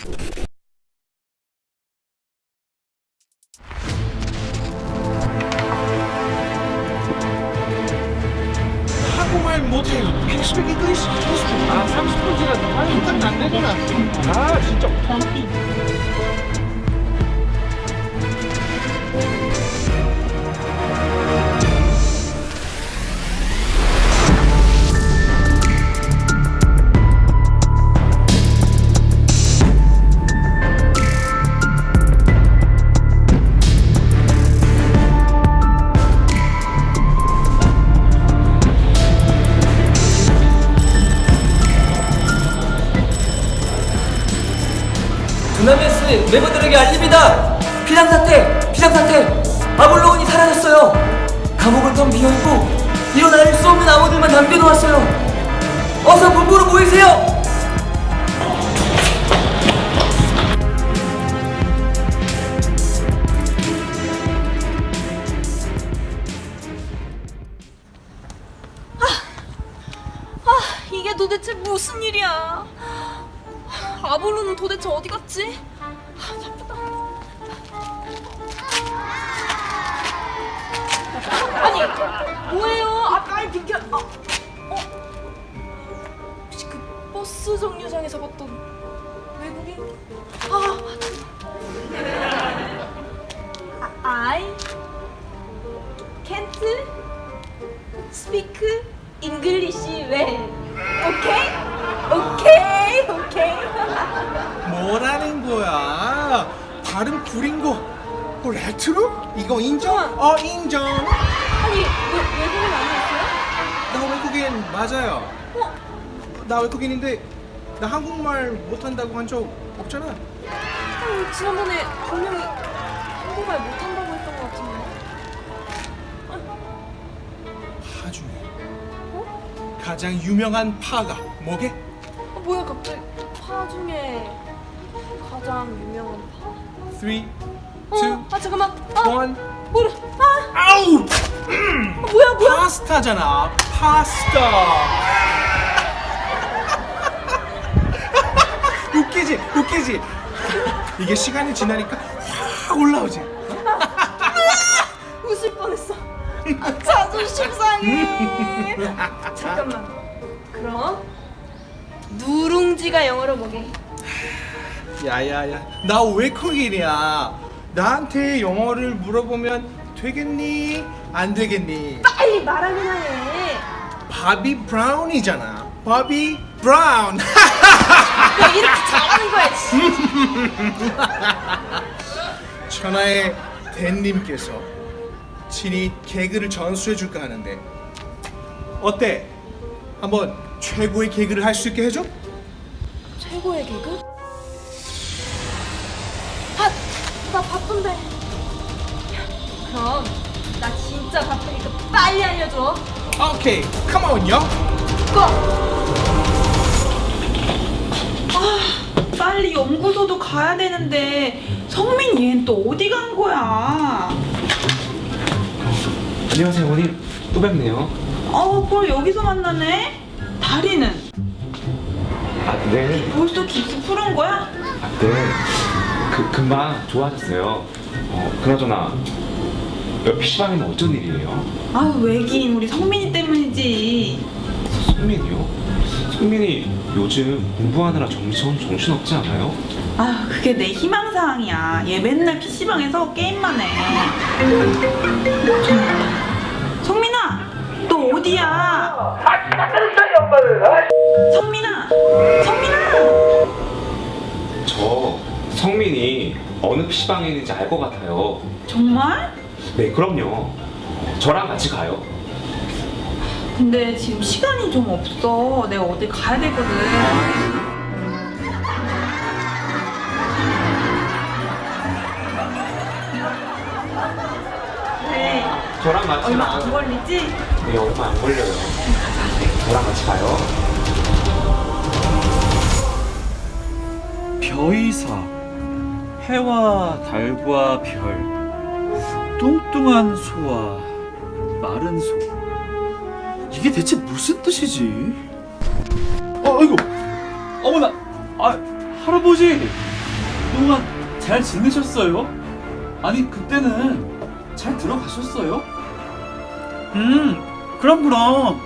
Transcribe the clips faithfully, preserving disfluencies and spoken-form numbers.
한국말 못해요. Can you speak English? 아 삼십 분 지났다. 빨리 똑같이 안 되구나. 아 진짜. 두나메스 멤버들에게 알립니다. 비상사태! 비상사태! 아볼로온이 사라졌어요. 감옥은 텅 비어있고 일어날 수 없는 암호들만 남겨놓았어요. 어서 본부로 모이세요. 아, 이게 도대체 무슨 일이야? 아볼로는 도대체 어디 갔지? 아, 바쁘다. 아니, 뭐예요? 아, 빨리 비켜. 아, 어? 혹시 그 버스 정류장에서 봤던 외국인? 아, 맞다. 아, I can't speak English well. 오케이? 오케이, 오케이. 뭐라는 거야? 발음 구린 거. 어, 레트로? 이거 인정? 우와. 어, 인정. 아니, 왜, 외국인 아니었어요? 나 외국인 맞아요. 어? 나 외국인인데 나 한국말 못한다고 한 적 없잖아. 어, 지난번에 분명히 한국말 못한다고 했던 것 같은데. 파 중에 어? 가장 유명한 파가 뭐게? 어, 뭐야, 갑자기 파 중에 가장 유명한 파? three, 어, two, 아, 잠깐만. 아, one. 뭐래? 아, 아우! 아, 뭐야, 뭐야? 파스타잖아. 파스타. 웃기지? 웃기지? 이게 시간이 지나니까 확 올라오지. 웃을 뻔했어. 아, 자존심 상해. 잠깐만. 그럼 누룽지가 영어로 뭐게? 야야야, 나 외국인이야. 나한테 영어를 물어보면 되겠니? 안 되겠니? 빨리 말하긴 하네. 바비 브라운이잖아. 바비 브라운. 왜 이렇게 잘하는 거야? 씨. 천하의 댄님께서 친히 개그를 전수해 줄까 하는데 어때? 한번 최고의 개그를 할 수 있게 해줘? 최고의 개그? 아, 나 바쁜데. 그럼 나 진짜 바쁘니까 빨리 알려줘. 오케이, come on, 요. 고! 아, 빨리 연구소도 가야 되는데 성민 얘는 또 어디 간 거야? 안녕하세요 어머니. 또 뵙네요. 어, 뭘 여기서 만나네? 다리는 아 네. 벌써 깁스 풀은 거야? 아, 네. 그 금방 좋아졌어요. 어 그나저나 여 피시방에는 어쩐 일이에요? 아유, 왜긴 우리 성민이 때문이지. 성민이요? 성민이 요즘 공부하느라 정신 정신없지 않아요? 아유, 그게 내 희망사항이야. 얘 맨날 피시방에서 게임만 해. 성민아, 너 어디야? 성민아, 성민아. 저 성민이 어느 피시방에 있는지 알 것 같아요. 정말? 네 그럼요. 저랑 같이 가요. 근데 지금 시간이 좀 없어. 내가 어디 가야 되거든. 네. 저랑 같이 얼마 가요. 안 걸리지? 네 얼마 안 걸려요. 저랑 같이 가요. 벼이사 해와 달과 별 뚱뚱한 소와 마른 소 이게 대체 무슨 뜻이지? 어, 아이고 어머나 아 할아버지 그동안 잘 지내셨어요? 아니 그때는 잘 들어가셨어요? 음, 그럼 그럼.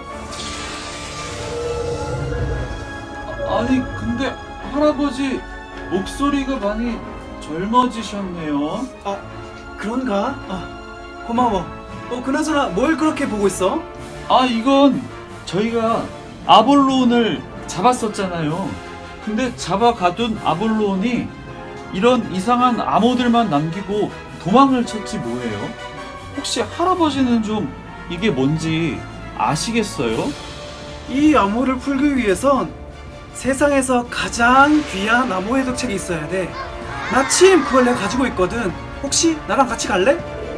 아, 아니 근데 할아버지 목소리가 많이 젊어지셨네요. 아, 그런가? 아, 고마워. 어, 그나저나 뭘 그렇게 보고 있어? 아 이건 저희가 아볼론을 잡았었잖아요. 근데 잡아가둔 아볼론이 이런 이상한 암호들만 남기고 도망을 쳤지 뭐예요? 혹시 할아버지는 좀 이게 뭔지 아시겠어요? 이 암호를 풀기 위해선 세상에서 가장 귀한 암호 해독책이 있어야 돼. 마침 그걸 내가 가지고 있거든. 혹시 나랑 같이 갈래?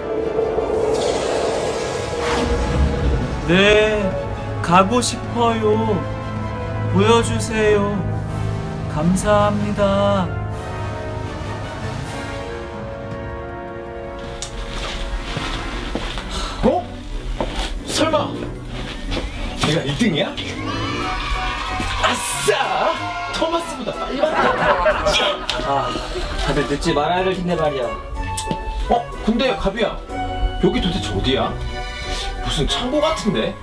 네, 가고 싶어요. 보여주세요. 감사합니다. 어? 설마 내가 일 등이야? 아싸! 토마스보다 빨리 왔다. 아, 다들 늦지 말아야 될 텐데 말이야. 어? 근데 가비야, 여기 도대체 어디야? 무슨 창고 같은데?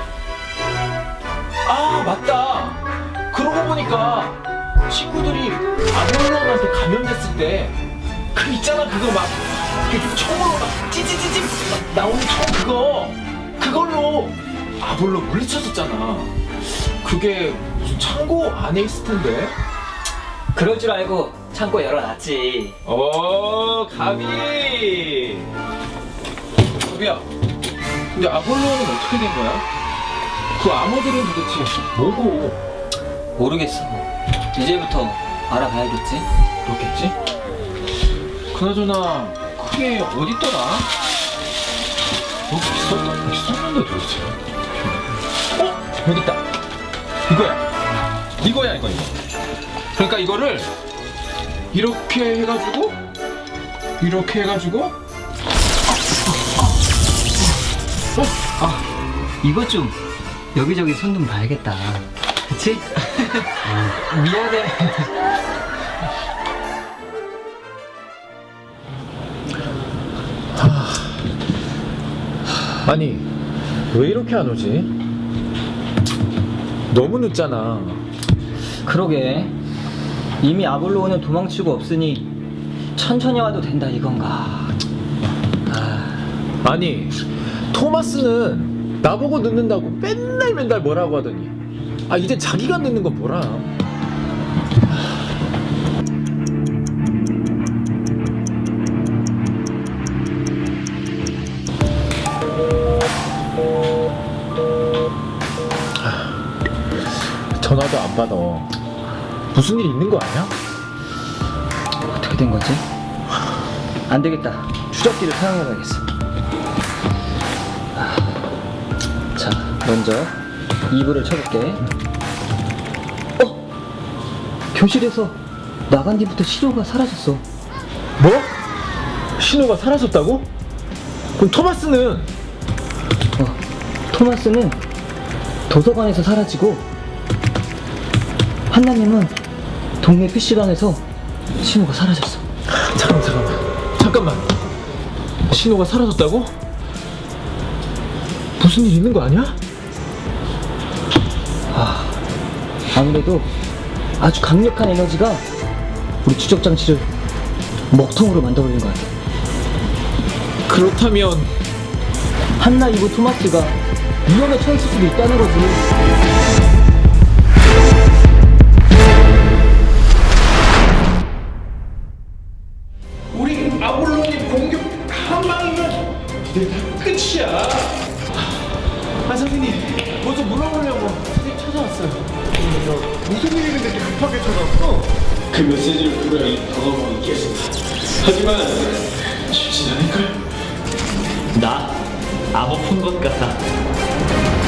아 맞다. 그러고 보니까 친구들이 아볼론한테 감염됐을 때 그 있잖아 그거 막 그 총으로 막 찌찌찌찌 막 나오는 총 그거 그걸로 아볼론 물리쳤었잖아. 그게 무슨 창고 안에 있을 텐데. 그럴 줄 알고 창고 열어놨지. 오 가비. 가비야, 근데 아볼론은 어떻게 된 거야? 그 암호들은 도대체 뭐고? 모르겠어. 이제부터 알아봐야겠지. 그렇겠지? 그나저나 그게 어딨더라? 여기 있었, 여기 있었는데 도대체. 어? 여기 있다. 이거야. 이거야 이거 이거. 그러니까 이거를 이렇게 해가지고 이렇게 해가지고 어? 아, 이것 좀 여기저기 손 좀 봐야겠다. 그치? 미안해. 아니 왜 이렇게 안 오지? 너무 늦잖아. 그러게. 이미 아볼로는 도망치고 없으니 천천히 와도 된다 이건가. 아니 토마스는 나보고 늦는다고 맨날 맨날 뭐라고 하더니 아 이제 자기가 늦는 건 뭐라. 전화도 안 받아. 무슨 일 있는 거 아니야? 어떻게 된 거지? 안 되겠다. 추적기를 사용해봐야겠어. 아, 자, 먼저 이불을 쳐볼게. 어? 교실에서 나간 뒤부터 신호가 사라졌어. 뭐? 신호가 사라졌다고? 그럼 토마스는? 어, 토마스는 도서관에서 사라지고 한나님은 동네 피시방에서 신호가 사라졌어. 잠깐만 잠깐만 잠깐만. 신호가 사라졌다고? 무슨 일 있는 거 아니야? 아, 아무래도 아주 강력한 에너지가 우리 추적 장치를 먹통으로 만들어버린 것 같아. 그렇다면 한나 이브 토마스가 위험에 처했을 수도 있다는 거지. 우리 아볼론이 공격 한 방이면 이제 다 끝이야. 아 선생님 뭐 좀 물어보려고 선생님 찾아왔어요. 무슨 일이 이렇게 급하게 찾아왔어? 그 메시지를 분명히 방어하고 있겠습니다. 하지만 쉽진 않을걸? 나 암호 푼 것 같아.